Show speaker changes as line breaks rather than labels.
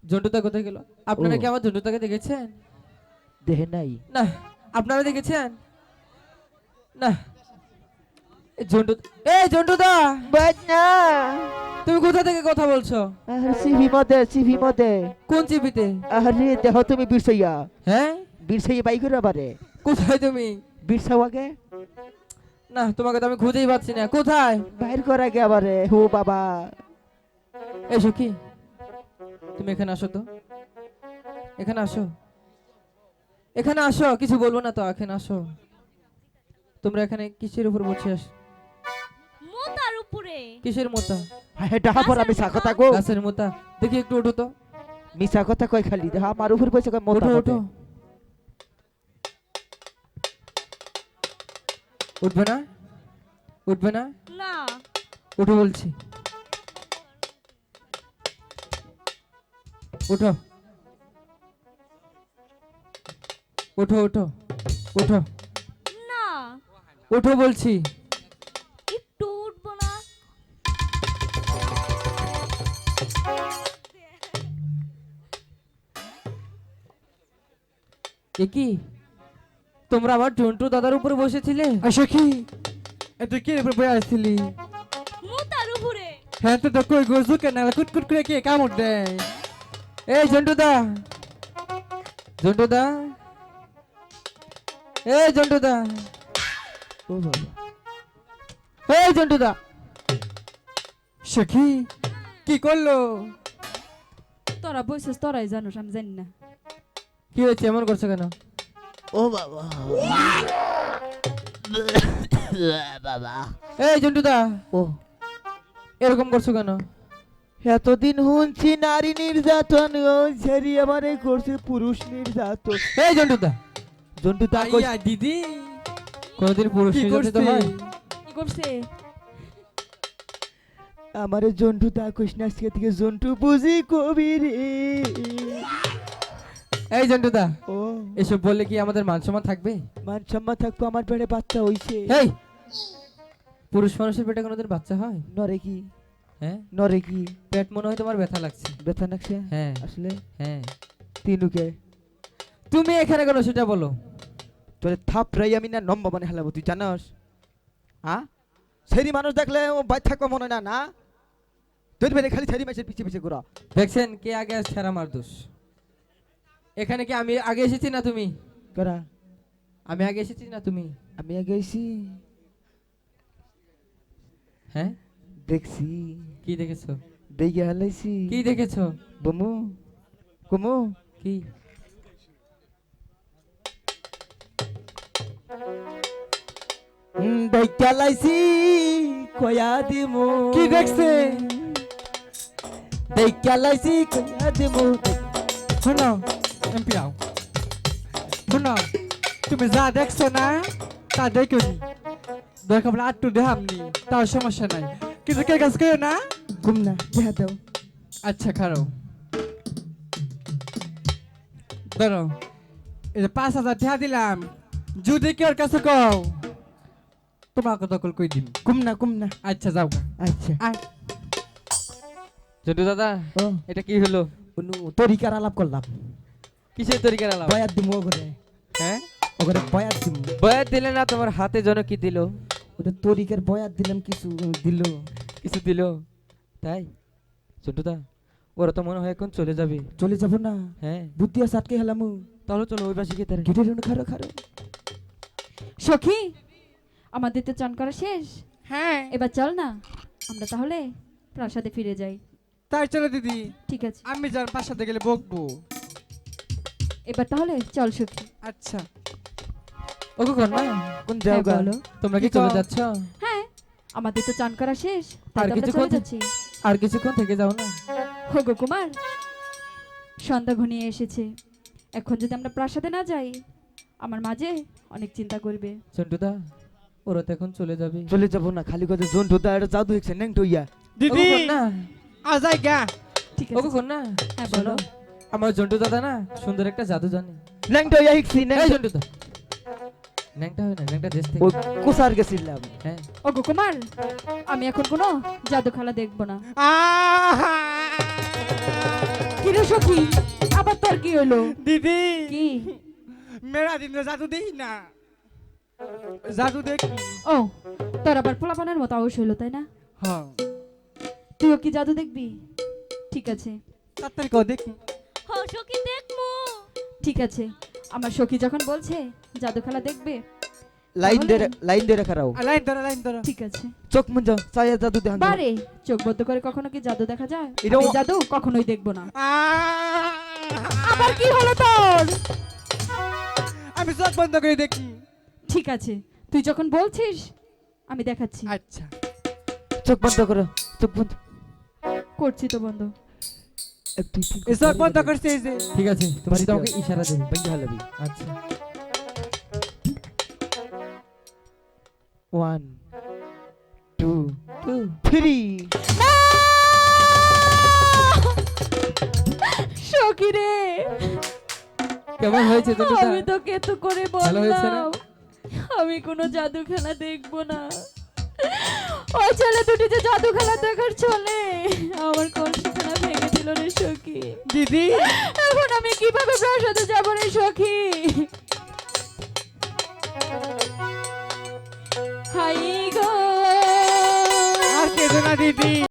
জন্টুদা কোথায় গেল? আপনারা
ও।
কি আমার জন্টুদাকে দেখেছেন?
দেহে নাই।
না। আপনারা দেখেছেন? না। এই জন্টু, এই জন্টুদা,
বাট না।
তুমি কোথা থেকে কথা বলছো?
আরে সিভি মধ্যে।
কোন চিপিতে?
আরে দেহ তুমি বিরসাইয়া।
হ্যাঁ,
বিরসাইয়া বাই করে বারে।
কোথায় তুমি?
বিরসাও আগে।
না, তোমাকে তো আমি খুঁজেই পাচ্ছি না। কোথায়?
বাইর করে আগে আবারে। ও বাবা।
এসো কি, তুমি এখানে আসো তো, এখানে আসো, এখানে আসো। কিছু বলবো না তো, এখানে আসো। তোমরা এখানে কিসের উপর বসে আস?
মোতার উপরে।
কিসের মোতা?
হ্যাঁ ডাহা পর আমি কথা কো।
গাছের মোতা। দেখি একটু ওঠো তো।
মিছা কথা কই খালি দেহা আমার উপর বসে কই মোটা
ওঠো
মতে।
ওঠো। উঠবে না? উঠবে না?
না।
উঠো বলছি। উঠো, উঠো, উঠো, উঠো,
না।
উঠো বলছি।
একটু উঠবো না।
এ কি, তোমরা আমার জন্টু দাদার উপরে বসেছিলে?
আসো কি এত কি উপর বয়ে আসছিলি?
মোতার উপরে।
হ্যাঁ তো তো কই গোজু কেন কুটকুট করে কে কামড় দেয়?
এই জন্টু দা, জন্টু দা, এই জন্টু দা,
ও বাবা।
এই জন্টু দা।
সখী কি করলো?
তোরা বসেস, তোরাই জানোস, আমি জানি না।
কি হয়েছে, এমন করছো কেন?
ও বাবা। বাবা।
এই জন্টু দা,
ও
এরকম করছো কেন?
এতদিন শুনছি নারী নির্যাতন ছেড়ি আমারে করছে পুরুষ নির্যাতন।
এই জন্টু দা,
জন্টু তা কই
আইয়া দিদি
কোনদিন পুরুষ
কি
নির্যাতিত
করছে?
হয়?
কি করছে?
আমারে জন্টু তা কইস না আজকে থেকে জন্টু বুঝি কবি রে।
এই জন্টু দা,
ও
এসব বললে কি আমাদের মান সম্মান থাকবে?
মান সম্মান থাকবো আমার পেটে বাচ্চা হইছে।
এই, পুরুষ মানুষের পেটে কোনোদিন বাচ্চা হয়?
নরে কি
হ্যাঁ,
নরে কি
পেট মনে হয় তোমার ব্যথা লাগছে।
ব্যথা নাকছে
হ্যাঁ
আসলে
হ্যাঁ।
তিনুকে
তুমি এখানে কেন সেটা বলো।
তোরে থাপড়াই আমি না নম্বা মানে হেলাবো তুই জানাস? হ্যাঁ সেরি মানুষ দেখলে ও বাইর থাকবো মনে হয় না না। তুই বেরে খালি সেরি মাসের পিছে পিছে ঘোরা।
দেখছেন কে আগে আসছে আর আমার দোষ। এখানে কি আমি আগে এসেছি না তুমি?
করা
আমি আগে এসেছি না তুমি?
আমি আগে আইছি
হ্যাঁ,
দেখছি
কি দেখেছো?
দেখে হালাইছি
কি দেখেছো?
বমু কুমু
কি?
দেখে হালাইছি কয়া দিমু
কি দেখছে?
দেখে হালাইছি কয়া দিমু।
শোনো এমপি আও শোনো, তুমি যা দেখছো না তা দেখো নি, দরকার পড়লে আটটু দেহামনি, তাও সমস্যা নাই, কিন্তু কে কাজ করো না।
ঘুম না দেখা দাও।
আচ্ছা খারো, ধরো এই যে 5,000 টাকা দিলাম, যদি কেউ কাছে কও তোমাকে দখল করে দিন।
ঘুম না
আচ্ছা যাও গা।
আচ্ছা
আয়।
জন্টু দাদা,
ও
এটা কি হলো?
অনু তরিকার আলাপ করলাম।
কিসের তরিকার আলাপ?
বয়াত দিমু ওগরে
হ্যাঁ,
ওগরে বয়াত দিমু।
বয়াত দিলে না, তোমার হাতে যেন কি দিল?
ওটা তরিকার বয়াত দিলাম কিছু দিল।
কিছু দিল? তাই? জন্টু দা, ওরা তো মনে হয় এখন চলে যাবে।
চলে যাব না
হ্যাঁ,
বুদ্ধি আছে আটকে হেলামু।
তাহলে চলো ওই পাশে গিয়ে তারা।
গেটের জন্য খারো খারো।
সখী, আমাদের তো চান করা শেষ।
হ্যাঁ
এবার চল না, আমরা তাহলে প্রাসাদে ফিরে যাই।
তাই চলো দিদি,
ঠিক আছে,
আমি যার পাশাতে গেলে বকবো।
এবার তাহলে চল সখী।
আচ্ছা
ও কন্যা,
কোন
হ্যাঁ,
জায়গা?
বলো।
তোমরা কি
কি
চলে
কও?
যাচ্ছ?
হ্যাঁ, আমাদের তো চান করা শেষ, তাই
আর
তো আমরা
কিছুক্ষণ
চলে যাচ্ছি।
আর কিছুক্ষণ থেকে যাও না।
হোগো কুমার, সন্ধ্যা ঘনিয়ে এসেছে, এখন যদি আমরা প্রাসাদে না যাই আমার মাঝে অনেক চিন্তা করবে।
জন্টু দা, ওরা তো এখন চলে যাবে।
চলে যাব না খালি কথা জোন ঢোদা এটা জাদু হইছে নেং টইয়া।
দিদি
না,
আজাই গা।
ঠিক
ও
আছে,
কন্যা,
হ্যাঁ
শোনো,
বলো।
আমার জন্টু দাদা না সুন্দর একটা জাদু জানে।
নেং টইয়া হিকছি নেং।
এই জন্টু দা, ন্যাংটা হয় না, ন্যাংটা দেশ থেকে।
ও কোসার গেছিলাম।
হ্যাঁ,
ওগো কুমার, আমি এখন কোনো জাদু খেলা দেখবো না।
আহা!
কি রে রে সখী, আবার তোর কি হলো?
দিদি
কি?
মেরা দিন জাদু দেখি না, জাদু দেখি।
ও, তোর আবার পোলাপানের মতো আউশ হইলো তাই না?
হ্যাঁ
তুইও কি জাদু দেখবি? ঠিক আছে,
তাড়াতাড়ি কর দেখি।
সখী দেখমু।
ঠিক আছে। আমার সখী যখন বলছে জাদু খেলা দেখবে,
লাইন দিয়ে রাখা রাও।
লাইন ধরো।
ঠিক আছে।
চোখ মুঞ্জ চাইয়া জাদু দেখান যাও।
বারে চোখ বদ্ধ করে কখনো কি জাদু দেখা যায়?
এরকম-
আমি জাদু কখনোই দেখবো না। আবার কি হলো তোর?
আমি চোখ বন্ধ করে দেখি।
ঠিক আছে, তুই যখন বলছিস আমি দেখাচ্ছি।
আচ্ছা
চোখ বন্ধ করো, চোখ বন্ধ।
করছি তো বন্ধ।
এক, দুই, তিন,
এই চোখ বন্ধ করছে এই যে।
ঠিক আছে, তুমি শুধু আমাকে ইশারা দেবে।
ভেঙে হালাবি।
আচ্ছা
1 2
2
3
সখী রে,
কেমন হয়েছে দুটোটা?
আমি তোকে তো করে
ভালো হয়েছে না?
বললাম আমি কোনো জাদু খেলা দেখবো না। ওই ছেলে দুটি যে জাদু খেলা দেখার চলে আমার কলসিখানা ভেঙে দিল রে সখী।
দিদি
এখন আমি কিভাবে প্রাসাদে যাবো রে সখী? হাই গো,
আর কেঁদো না দিদি।